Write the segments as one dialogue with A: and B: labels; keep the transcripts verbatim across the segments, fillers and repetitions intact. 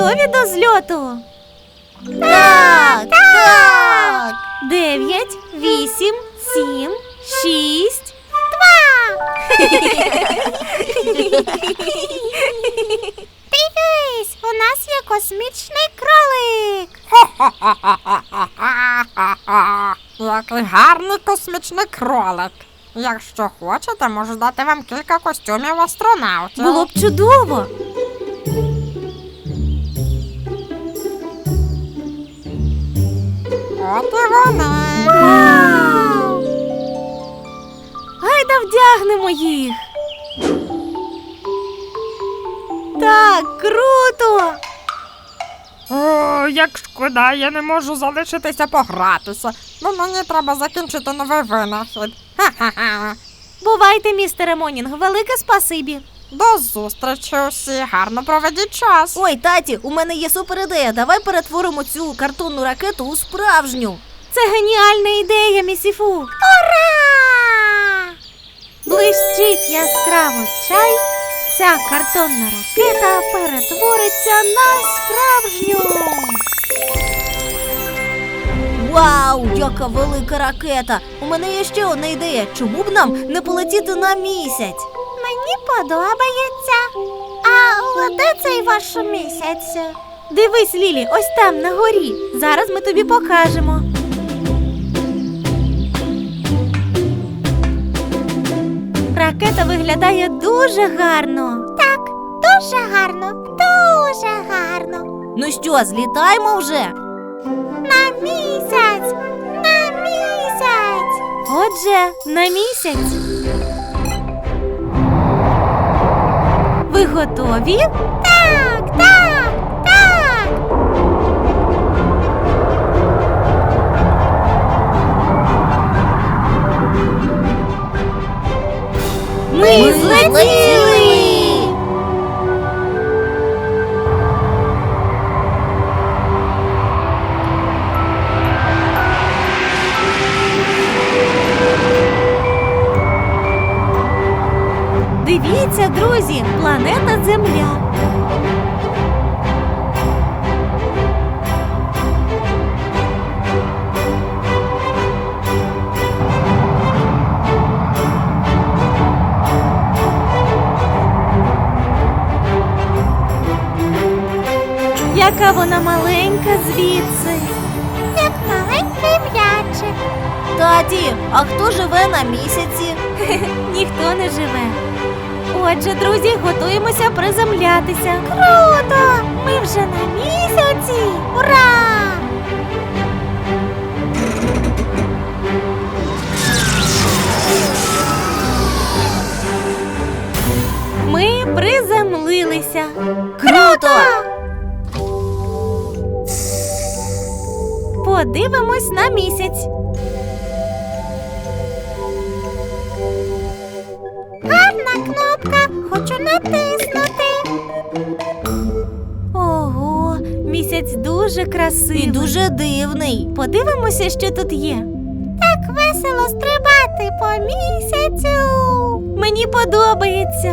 A: готові до зльоту?
B: Так, так.
A: Дев'ять, вісім, сім, шість,
B: Дивись, у нас є космічний кролик.
C: Який гарний космічний кролик. Якщо хочете, можу дати вам кілька костюмів астронавтів.
A: було б чудово.
C: От і вони.
A: Вау! Гайда вдягнемо їх. Так, круто!
C: О, як шкода, я не можу залишитися погратися. Бо мені треба закінчити новий винахід. Ха-ха-ха.
A: Бувайте, містере Монінг, велике спасибі.
C: До зустрічі усі, гарно проведіть час.
B: Ой, таті, у мене є супер ідея. Давай перетворимо цю картонну ракету у справжню.
A: Це геніальна ідея, місіфу.
B: Ура!
A: Блищить яскраво чай, ця картонна ракета перетвориться на справжню.
B: Вау, яка велика ракета! У мене є ще одна ідея. Чому б нам не полетіти на місяць? Мені подобається. А де цей ваш місяць?
A: Дивись, Лілі, ось там, на горі. Зараз ми тобі покажемо. Ракета виглядає дуже гарно.
B: Так, дуже гарно, дуже гарно. Ну що, злітаємо вже? На місяць! На місяць!
A: Отже, на місяць. Ви готові?
B: Так, так, так!
A: Ми злетіли! Дивіться, друзі, планета Земля. Яка вона маленька звідси.
B: Як маленький м'ячик. Таті, а хто живе на місяці?
A: Ніхто не живе. Отже, друзі, готуємося приземлятися.
B: Круто! Ми вже на місяці! Ура!
A: Ми приземлилися.
B: Круто!
A: Подивимось на місяць.
B: Гарна кнопка, хочу натиснути.
A: Ого, місяць дуже красивий.
B: І дуже дивний.
A: Подивимося, що тут є.
B: Так весело стрибати по місяцю.
A: Мені подобається.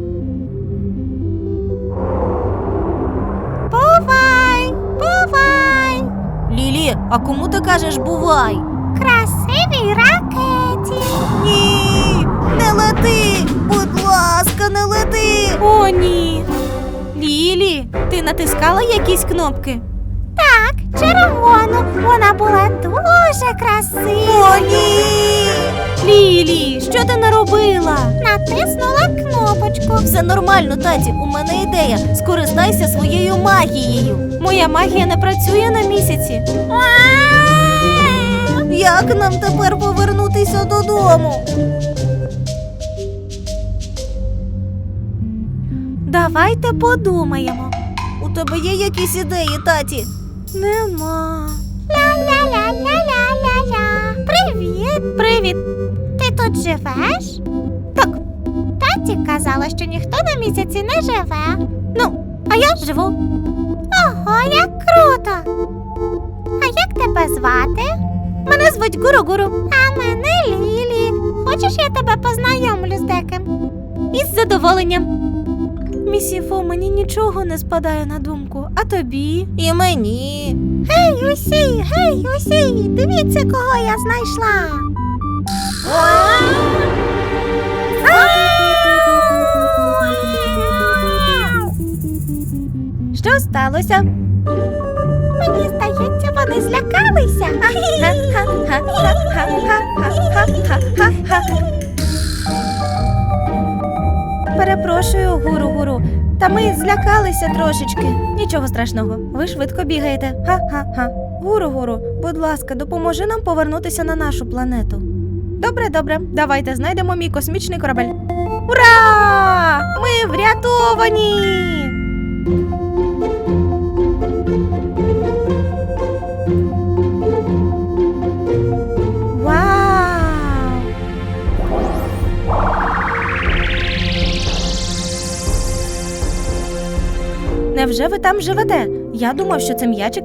B: Бувай, бувай. Лілі, а кому ти кажеш бувай? Красивій ракеті. Ні, не лети, будь ласка, не лети.
A: О, ні. Лілі, ти натискала якісь кнопки?
B: Так, червону, вона була дуже красива. О, ні.
A: Лілі, що ти наробила?
B: Натиснула кнопочку. Все нормально, таті, у мене ідея. Скористайся своєю магією.
A: Моя магія не працює на місяці.
B: Як нам тепер повернутися додому?
A: Давайте подумаємо.
B: У тебе є якісь ідеї, таті?
A: Нема.
B: Ля-ля-ля-ля-ля-ля-ля. Привіт.
A: Привіт.
B: Ти тут живеш? Так. Таті казала, що ніхто на місяці не живе.
A: Ну, а я живу.
B: Ого, як круто. А як тебе звати?
A: Мене звуть Гуру-Гуру.
B: А мене Лілі. Хочеш, я тебе познайомлю з деким?
A: Із задоволенням. Місіфу, мені нічого не спадає на думку, а тобі?
B: І мені. Гей, усі, гей, усі, дивіться, кого я знайшла.
A: Що сталося?
B: Мені здається, вони злякалися.
A: Перепрошую, гуру-гуру. Та ми злякалися трошечки. Нічого страшного. Ви швидко бігаєте. Ха-ха-ха. Гуру-гуру, будь ласка, допоможи нам повернутися на нашу планету. Добре, добре. Давайте знайдемо мій космічний корабель. Ура! Ми врятовані! Вау! Невже ви там живете? Я думав, що це м'ячик.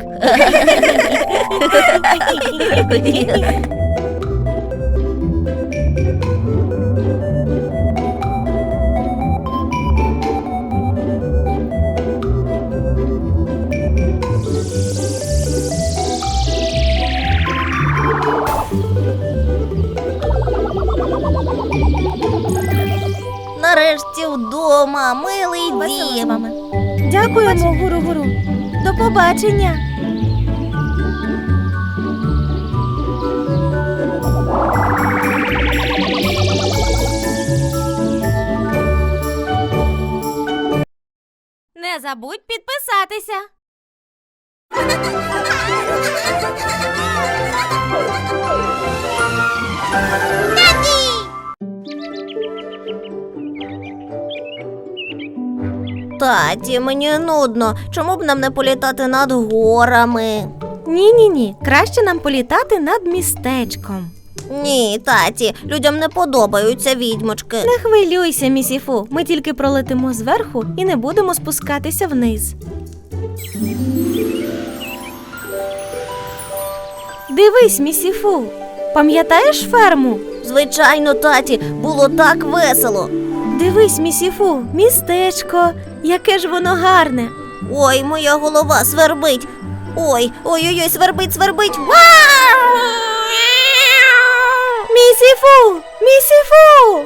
B: Нарешті вдома, милий
A: Весело з
B: дім.
A: вами. Дякуємо, гуру-гуру. До побачення. Не забудь підписатися.
B: Таті, мені нудно. Чому б нам не політати над горами?
A: Ні-ні-ні, краще нам політати над містечком.
B: Ні, таті, людям не подобаються відьмочки.
A: Не хвилюйся, місіфу, ми тільки пролетимо зверху і не будемо спускатися вниз. Дивись, місіфу, пам'ятаєш ферму?
B: Звичайно, таті, було так весело.
A: Дивись, місіфу, містечко, яке ж воно гарне.
B: Ой, моя голова свербить. Ой, ой-ой-ой, свербить, свербить. Вау!
A: Місіфу! Місіфу!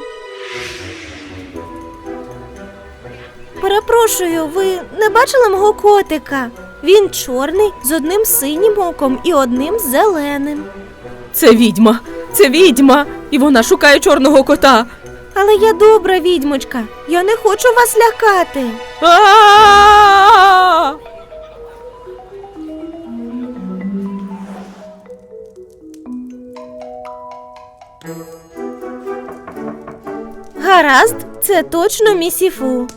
A: Перепрошую, ви не бачили мого котика? Він чорний, з одним синім оком і одним зеленим.
D: Це відьма, це відьма, і вона шукає чорного кота.
A: Але я добра відьмочка, я не хочу вас лякати.
D: А-а-а!
A: Гаразд, це точно місіфу.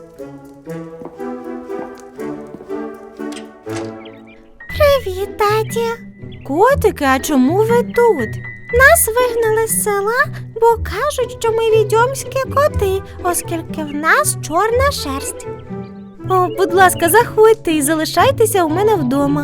B: Привіт, таті.
A: Котики, а чому ви тут?
B: Нас вигнали з села, бо кажуть, що ми відьомські коти, оскільки в нас чорна шерсть.
A: О, будь ласка, заходьте і залишайтеся у мене вдома.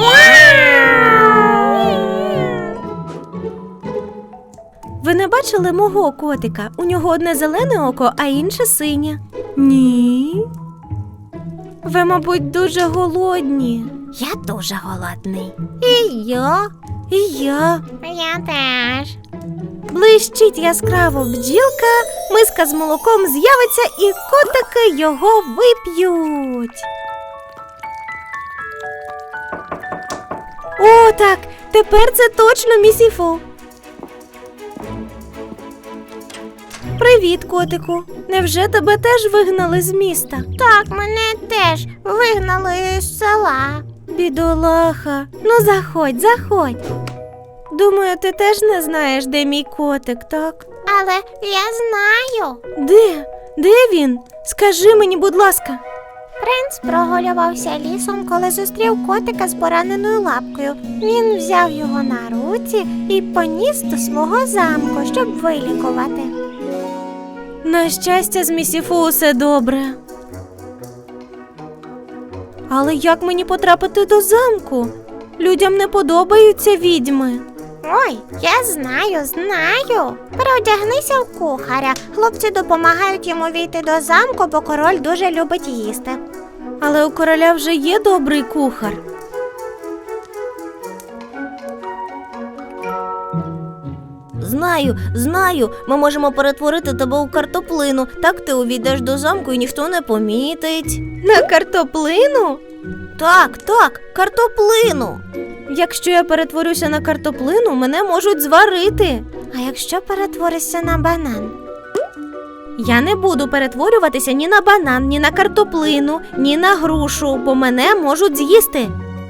A: Ви не бачили мого котика? У нього одне зелене око, а інше синє. Ні. Ви, мабуть, дуже голодні.
B: Я дуже голодний. І я.
A: І я.
B: Я теж.
A: Блищить яскраво бджілка, миска з молоком з'явиться і котики його вип'ють. О, так, тепер це точно місіфу. Привіт, котику. Невже тебе теж вигнали з міста?
B: Так, мене теж вигнали з села.
A: Бідолаха. Ну, заходь, заходь. Думаю, ти теж не знаєш, де мій котик, так?
B: Але я знаю.
A: Де? Де він? Скажи мені, будь ласка.
B: Принц прогулювався лісом, коли зустрів котика з пораненою лапкою. Він взяв його на руці і поніс до свого замку, щоб вилікувати.
A: На щастя, з місіфу усе добре. Але як мені потрапити до замку? Людям не подобаються відьми.
B: Ой, я знаю, знаю. Переодягнися в кухаря. Хлопці допомагають йому війти до замку, бо король дуже любить їсти.
A: Але у короля вже є добрий кухар.
B: Знаю, знаю. Ми можемо перетворити тебе у картоплину. Так ти увійдеш до замку і ніхто не помітить.
A: На картоплину?
B: Так, так, картоплину.
A: Якщо я перетворюся на картоплину, мене можуть зварити.
B: А якщо перетворишся на банан?
A: Я не буду перетворюватися ні на банан, ні на картоплину, ні на грушу, бо мене можуть з'їсти.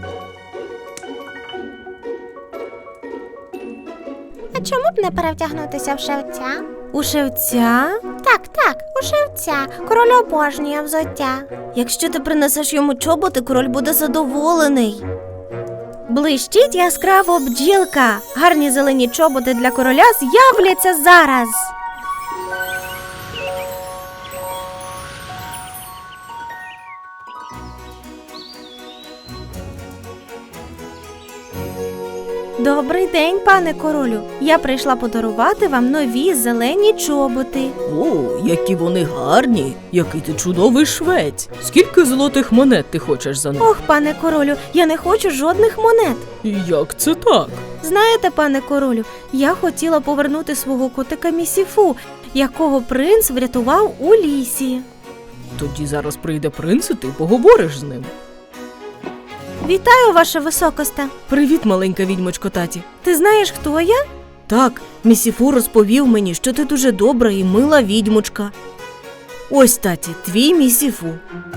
B: А чому б не перевдягнутися в шевця?
A: У шевця?
B: Так, так, у шевця. Король обожнює взуття.
A: Якщо ти принесеш йому чоботи, король буде задоволений. Блищить яскраво бджілка. Гарні зелені чоботи для короля з'являться зараз. Добрий день, пане королю. Я прийшла подарувати вам нові зелені чоботи.
D: О, які вони гарні! Який ти чудовий швець! Скільки золотих монет ти хочеш за них?
A: Ох, пане королю, я не хочу жодних монет.
D: Як це так?
A: Знаєте, пане королю, я хотіла повернути свого котика Місіфу, якого принц врятував у лісі.
D: Тоді зараз прийде принц, і ти поговориш з ним.
A: Вітаю, ваша високосте.
D: Привіт, маленька відьмочко таті.
A: Ти знаєш, хто я?
D: Так, Місіфу розповів мені, що ти дуже добра і мила відьмочка. Ось, таті, твій Місіфу.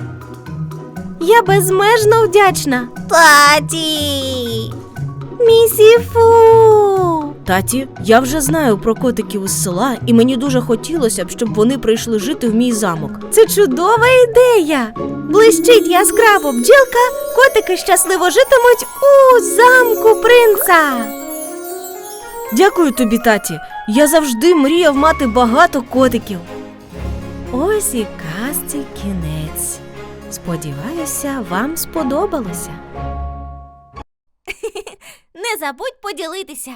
A: Я безмежно вдячна.
B: Таті!
A: Місіфу!
D: Таті, я вже знаю про котиків із села, і мені дуже хотілося б, щоб вони прийшли жити в мій замок.
A: Це чудова ідея. Блищить яскраво бджілка, котики щасливо житимуть у замку принца.
D: Дякую тобі, таті. Я завжди мріяв мати багато котиків.
A: Ось і казці кінець. Сподіваюся, вам сподобалося.
B: Не забудь поділитися.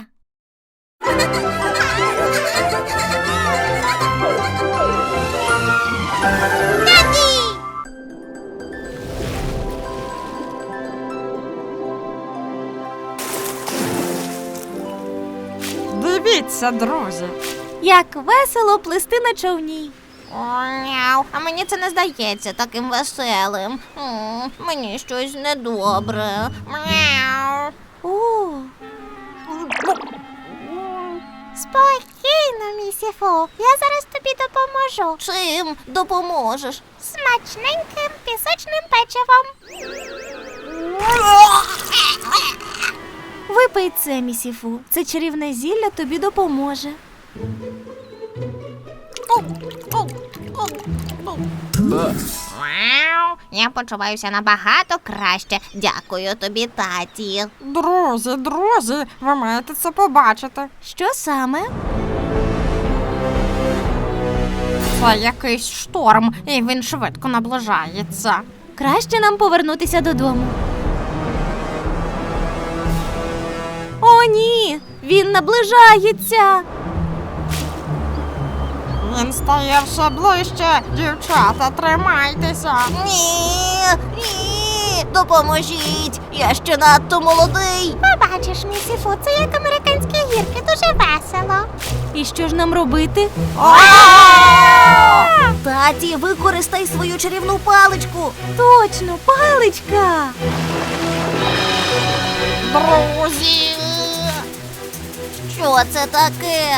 C: Дивіться, друзі.
A: Як весело плисти на човні.
B: Мяу, а мені це не здається таким веселим. М, Мені щось недобре. Мяу.
A: О,
B: Спокійно, місіфу. Я зараз тобі допоможу. Чим допоможеш? Смачненьким пісочним печивом.
A: випий це, Місіфу. Це чарівне зілля тобі допоможе.
B: Мяу. Я почуваюся набагато краще. Дякую тобі, таті.
C: Друзі, друзі, ви маєте це побачити.
A: Що саме?
C: Це якийсь шторм, і він швидко наближається.
A: Краще нам повернутися додому. О, ні! Він наближається!
C: Він стає все ближче. Дівчата, тримайтеся.
B: Ні, ні, допоможіть. Я ще надто молодий. Побачиш, місіфу, це як американські гірки, дуже весело.
A: І що ж нам робити?
B: Таті, використай свою чарівну паличку.
A: Точно, паличка!
C: Друзі.
B: Що це таке?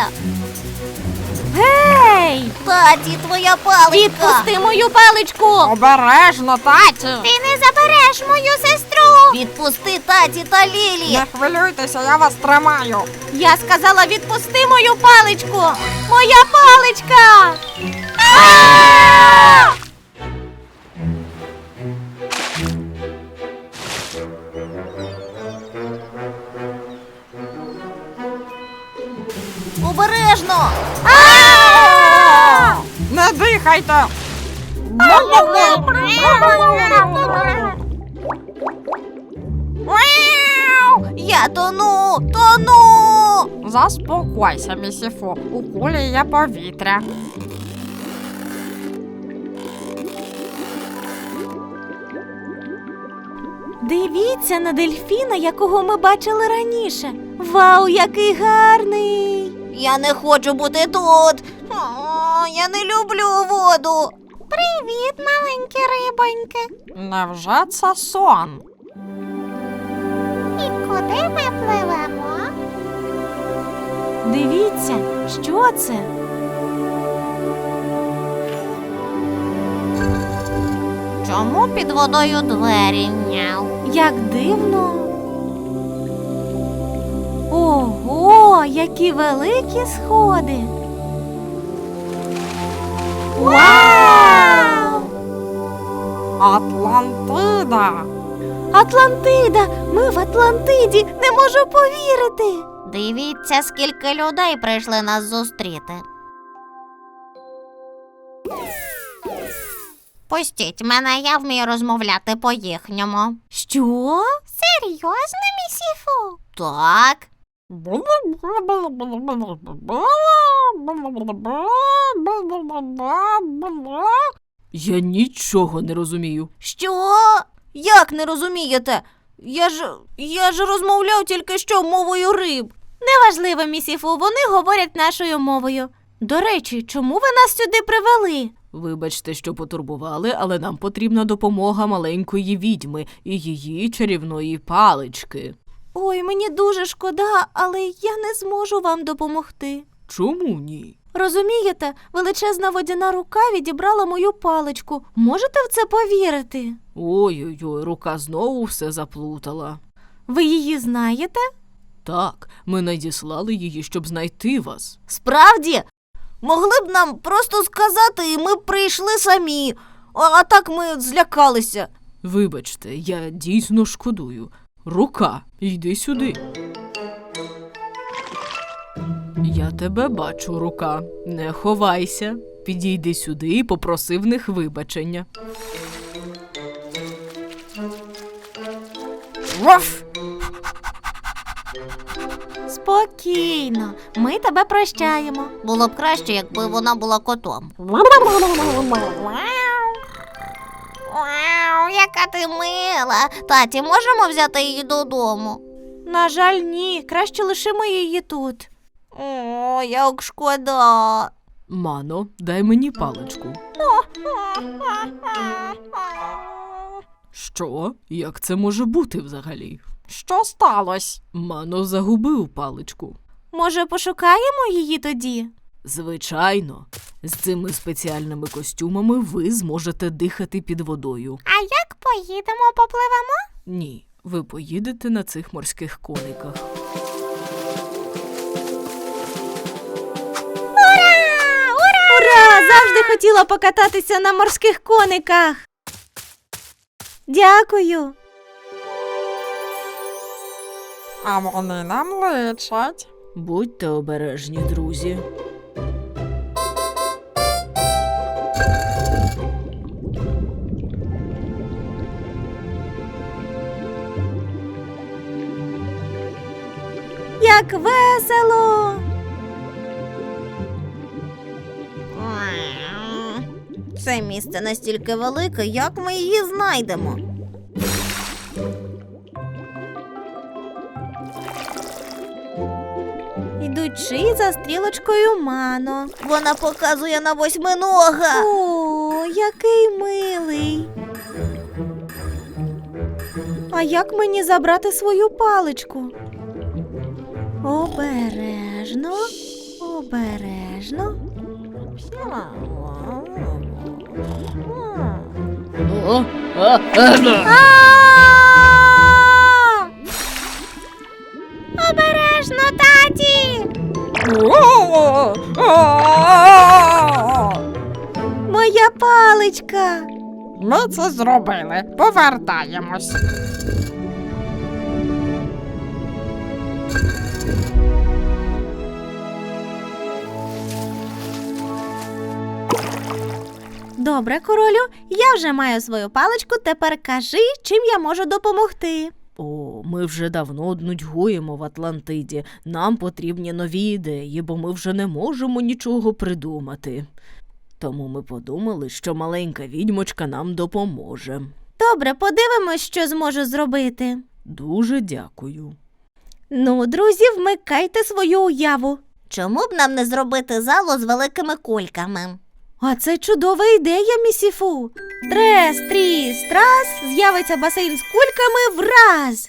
A: Гей!
B: Таті, твоя паличка.
A: Відпусти мою паличку!
C: Обережно, таті.
B: Ти не забереш мою сестру. Відпусти таті та Лілі.
C: Не хвилюйтеся, я вас тримаю.
A: Я сказала, відпусти мою паличку! Моя паличка! А!
B: Обережно.
C: Не дихайте.
B: Я тону, тону.
C: Заспокойся, місіфу, у кулі є повітря.
A: Дивіться на дельфіна, якого ми бачили раніше. Вау, який гарний!
B: Я не хочу бути тут. О, я не люблю воду. Привіт, маленькі рибоньки.
C: Невже це сон?
B: І куди ми пливемо?
A: Дивіться, що це?
B: Чому під водою двері няв?
A: Як дивно. Ого, які великі сходи. Вау!
C: Атлантида!
A: Атлантида! Ми в Атлантиді! Не можу повірити!
B: Дивіться, скільки людей прийшли нас зустріти. Пустіть мене, я вмію розмовляти по-їхньому.
A: Що?
B: Серйозно, місіфу? Так.
D: Я нічого не розумію.
A: Що? Як не розумієте? Я ж я ж розмовляв тільки що мовою риб. Неважливо, місіфу, вони говорять нашою мовою. До речі, чому ви нас сюди привели?
D: Вибачте, що потурбували, але нам потрібна допомога маленької відьми і її чарівної палички.
A: Ой, мені дуже шкода, але я не зможу вам допомогти.
D: Чому ні?
A: Розумієте, величезна водяна рука відібрала мою паличку. Можете в це повірити?
D: Ой-ой-ой, рука знову все заплутала.
A: Ви її знаєте?
D: Так, ми надіслали її, щоб знайти вас.
A: Справді? Могли б нам просто сказати, і ми б прийшли самі. А, а так ми злякалися.
D: Вибачте, я дійсно шкодую. Рука, йди сюди. Я тебе бачу, рука. Не ховайся. Підійди сюди і попроси в них вибачення.
C: Ваф!
A: Спокійно, ми тебе прощаємо.
B: Було б краще, якби вона була котом. Вау, яка ти мила. Таті, можемо взяти її додому?
A: На жаль, ні, краще лишимо її тут.
B: О, як шкода.
D: Мано, дай мені паличку. Що? Як це може бути взагалі?
C: Що сталося?
D: Мано загубив паличку.
A: Може, пошукаємо її тоді?
D: Звичайно, з цими спеціальними костюмами ви зможете дихати під водою.
B: А як поїдемо, попливемо?
D: Ні, ви поїдете на цих морських кониках.
A: Ура! Завжди хотіла покататися на морських кониках. Дякую.
C: А вони нам личать.
D: Будьте обережні, друзі.
A: Як весело!
B: Це місце настільки велике, як ми її знайдемо?
A: Йдучи за стрілочкою Мано.
B: Вона показує на восьминога.
A: О, який милий. А як мені забрати свою паличку? Обережно, обережно.
D: О, а, а,
A: А! Обережно, таті! Моя паличка!
C: Ми це зробили. Повертаємось.
A: Добре, королю, я вже маю свою паличку, тепер кажи, чим я можу допомогти.
D: О, ми вже давно нудьгуємо в Атлантиді. Нам потрібні нові ідеї, бо ми вже не можемо нічого придумати. Тому ми подумали, що маленька відьмочка нам допоможе.
A: Добре, подивимось, що зможу зробити.
D: Дуже дякую.
A: Ну, друзі, вмикайте свою уяву.
B: Чому б нам не зробити залу з великими кульками?
A: А це чудова ідея, місіфу. Трес, тріс, трас, з'явиться басейн з кульками враз.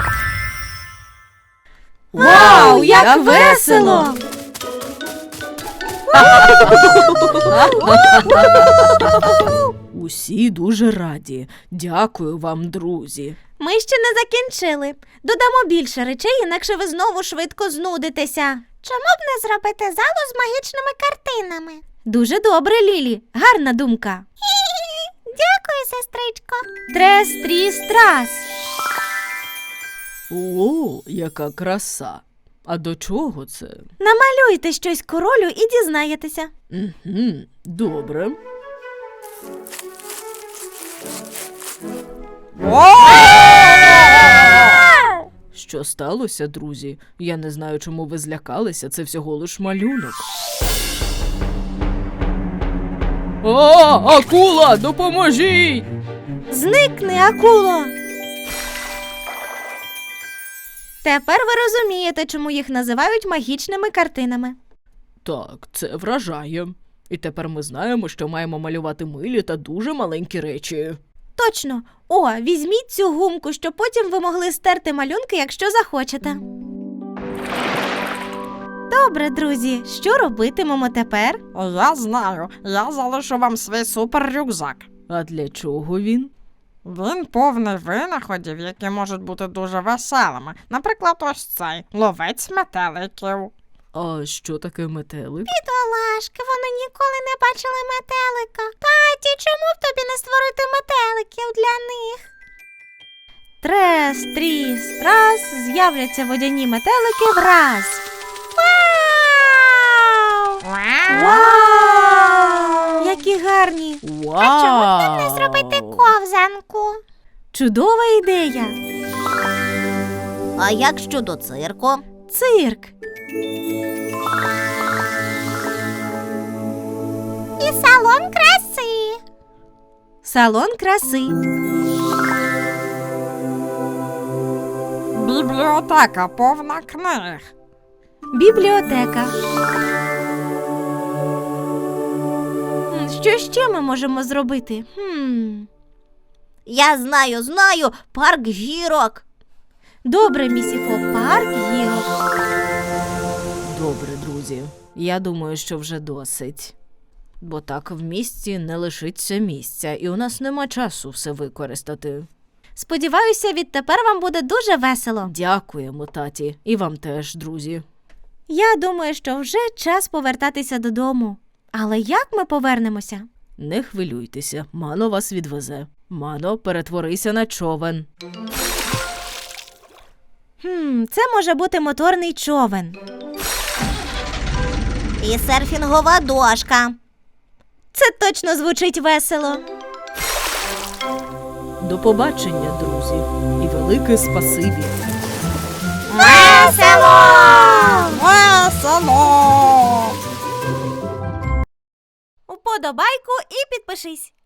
A: Вау, як весело!
D: Усі дуже раді. Дякую вам, друзі.
A: Ми ще не закінчили. Додамо більше речей, інакше ви знову швидко знудитеся.
B: Чому б не зробити залу з магічними картинами?
A: Дуже добре, Лілі. Гарна думка.
B: Дякую, сестричко.
A: Трес, тріс, трас.
D: О, яка краса. А до чого це?
A: Намалюйте щось королю і дізнаєтеся.
D: Угу, добре. Що сталося, друзі? Я не знаю, чому ви злякалися, це всього лиш малюнок. О, акула, допоможіть!
A: Зникни, акуло! Тепер ви розумієте, чому їх називають магічними картинами.
D: Так, це вражає. І тепер ми знаємо, що маємо малювати милі та дуже маленькі речі.
A: Точно. О, візьміть цю гумку, щоб потім ви могли стерти малюнки, якщо захочете. Добре, друзі, що робитимемо тепер?
C: Я знаю, я залишу вам свій супер-рюкзак.
D: А для чого він?
C: Він повний винаходів, які можуть бути дуже веселими. Наприклад, ось цей ловець метеликів.
D: А що таке метелик?
B: Бідолашки, вони ніколи не бачили метелика. Таті, чому б тобі не створити метеликів для них?
A: Трес, тріс, трас, з'являться водяні метелики враз.
B: Вау!
A: Вау! Які гарні!
D: Вау!
B: А чому б нам не зробити ковзанку?
A: Чудова ідея!
B: А як щодо цирку?
A: Цирк!
B: І салон краси.
A: Салон краси.
C: Бібліотека повна книг.
A: Бібліотека. М, Що ще ми можемо зробити? Хм.
B: Я знаю, знаю, парк гірок.
A: Добре, місіфо, парк гірок.
D: Добре, друзі. Я думаю, що вже досить. Бо так в місті не лишиться місця, і у нас нема часу все використати.
A: Сподіваюся, відтепер вам буде дуже весело.
D: Дякуємо, таті. І вам теж, друзі.
A: Я думаю, що вже час повертатися додому. Але як ми повернемося?
D: Не хвилюйтеся, Мано вас відвезе. Мано, перетворися на човен.
A: Хм, це може бути моторний човен.
B: І серфінгова дошка.
A: Це точно звучить весело.
D: До побачення, друзі. І велике спасибі.
B: Весело!
C: Весело!
A: Уподобайку і підпишись.